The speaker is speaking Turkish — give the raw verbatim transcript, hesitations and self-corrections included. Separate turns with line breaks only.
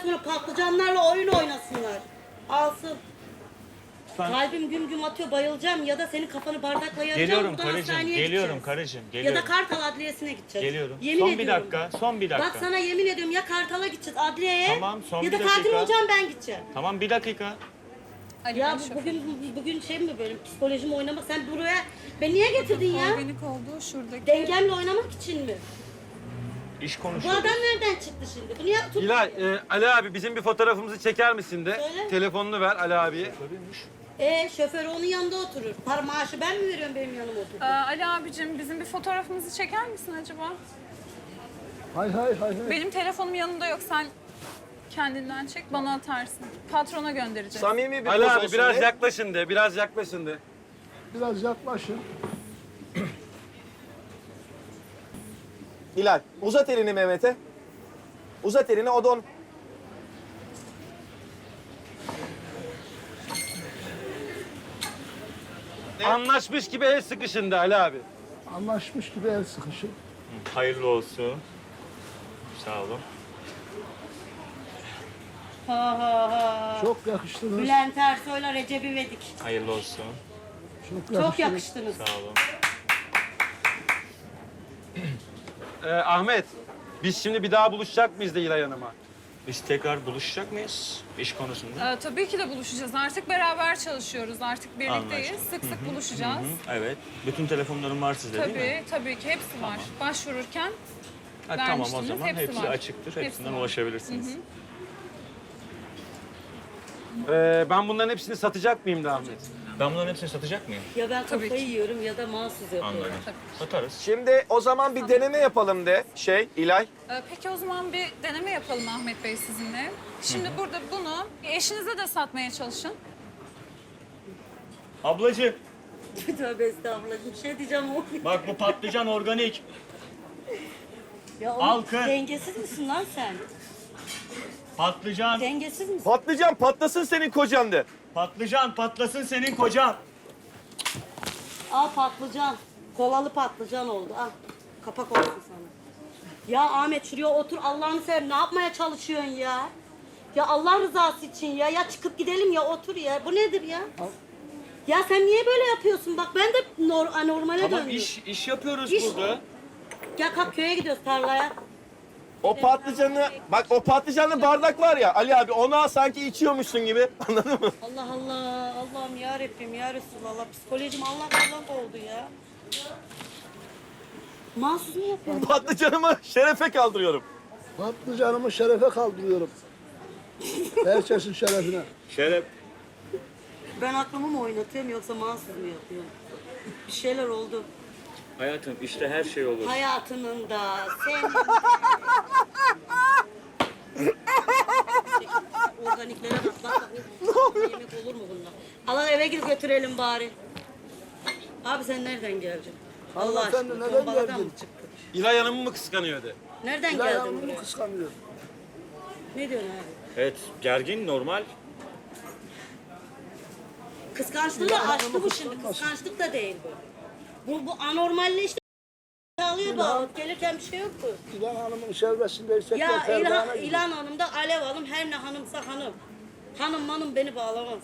sonra patlıcanlarla oyun oynasınlar. Alsın.
Ben...
Kalbim güm güm atıyor, bayılacağım ya da senin kafanı bardakla yaracağım.
Geliyorum
buradan
karıcığım,
hastaneye
geliyorum
gideceğiz.
karıcığım,
Ya
geliyorum.
da Kartal Adliyesi'ne gideceğiz.
Geliyorum.
Yemin
son
ediyorum.
bir dakika, son bir dakika.
Bak sana yemin ediyorum ya Kartal'a gideceğiz adliyeye.
Tamam, son
ya
bir
da katil
dakika.
olacağım ben gideceğim.
Tamam, bir dakika.
Ali
Ya
Bey
bu-
şoför.
bugün bugün şey mi böyle psikolojim oynamak? Sen buraya beni niye getirdin ya?
Organik olduğu şuradaki.
Dengemle oynamak için mi?
İş
Bu
konuşuyoruz.
adam nereden çıktı şimdi? Bunu yap tut.
İlay, e, Ali abi bizim bir fotoğrafımızı çeker misin de?
Söyle.
Telefonunu ver Ali abiye.
E şoför onun yanında oturur. Para maaşı ben mi veriyorum benim yanıma oturdu?
Ee, Ali abicim bizim bir fotoğrafımızı çeker misin acaba?
Hay hay hay hay.
Benim telefonum yanımda yok. Sen kendinden çek bana atarsın. Patrona göndereceğiz.
Samimi bir
Ali
poz
abi
olsun
biraz
de.
yaklaşın de, biraz yaklaşın de.
Biraz yaklaşın.
Hilal, uzat elini Mehmet'e. Uzat elini, o da on...
Anlaşmış gibi el sıkışın de Ali abi.
Anlaşmış gibi el sıkışın.
Hayırlı olsun. Sağ olun.
Ha ha ha.
Çok yakıştınız.
Bülent Ersoy'la Recep İvedik.
Hayırlı olsun.
Çok
Çok
yakıştınız.
yakıştınız.
Sağ olun.
Ee, Ahmet, biz şimdi bir daha buluşacak mıyız de İlay Hanım'a?
Biz tekrar buluşacak mıyız iş konusunda?
Ee, tabii ki de buluşacağız. Artık beraber çalışıyoruz. Artık birlikteyiz.
Anlaşıldı.
Sık sık buluşacağız.
Hı, evet. Bütün telefonlarım var sizde değil mi?
Tabii, tabii ki hepsi var. Başvururken
Ha, tamam o
vermiştiniz,
zaman
hepsi
hepsi
var.
açıktır.
Hepsi
Hepsinden
var.
ulaşabilirsiniz.
Ee, ben bunların hepsini satacak mıyım da Ahmet?
Ben bunların hepsini satacak mıyım?
Ya ben
Tabii
kafayı
ki.
yiyorum ya da mahsus yapıyorum.
Anladım. Satarız.
Şimdi o zaman bir deneme yapalım de şey İlay.
Ee, Peki o zaman bir deneme yapalım Ahmet Bey sizinle. Şimdi burada bunu eşinize de satmaya çalışın.
Ablacığım
Tövbe estağfurullah. Bir şey diyeceğim o.
bak bu patlıcan organik.
Ya
Al
oğlum,
kız.
dengesiz misin lan sen?
Patlıcan,
Dengesiz misin?
Patlıcan patlasın senin kocan de.
patlıcan patlasın senin kocan.
Al patlıcan. Kolalı patlıcan oldu. Al. Kapak olsun sana. Ya Ahmet şuraya otur. Allah'ını seversen ne yapmaya çalışıyorsun ya? Ya Allah rızası için ya. Ya çıkıp gidelim ya otur ya. Bu nedir ya? Ya sen niye böyle yapıyorsun? Bak ben de nor anormale
Tamam
döndüm.
iş iş yapıyoruz
İş.
burada.
Gel kalk köye gidiyoruz tarlaya.
O patlıcanı, bak o patlıcanlı bardak var ya Ali abi, onu al sanki içiyormuşsun gibi. Anladın mı?
Allah Allah. Allah'ım ya Rabbim ya Resulallah. Psikolojim Allah Allah oldu ya. Mahsus mu yapıyorsun?
Patlıcanımı şerefe kaldırıyorum.
Patlıcanımı şerefe kaldırıyorum. Herkesin şerefine.
Şeref.
Ben aklımı mı oynatıyorum yoksa mahsus mu yapıyorum? Bir şeyler oldu.
Hayatım işte her şey olur.
Hayatının da senin organiklere bak bak bak. Yemek olur mu bunlar? Alan eve gidip götürelim bari. Abi sen nereden geldin? Allah
Hanımefendi,
aşkına
neden
tombaladan
geldin?
mı çıktın?
İlay Hanım'ı mı kıskanıyor de?
Nereden
İlay
geldin
Hanım'ı
buraya?
kıskanıyor.
Ne diyorsun abi?
Evet gergin normal.
Kıskançlığı da aştı bu şimdi. Kıskançlık da değil bu. Bu, bu anormalleşti. Alıyor bu alıp gelirken bir şey yoktu.
İlhan Hanım'ın şerbesinde istekler
Ya
Ferdan'a
İlhan,
gidiyor.
İlhan Hanım da Alev Hanım her ne hanımsa hanım. Hanım manım beni bağlamaz.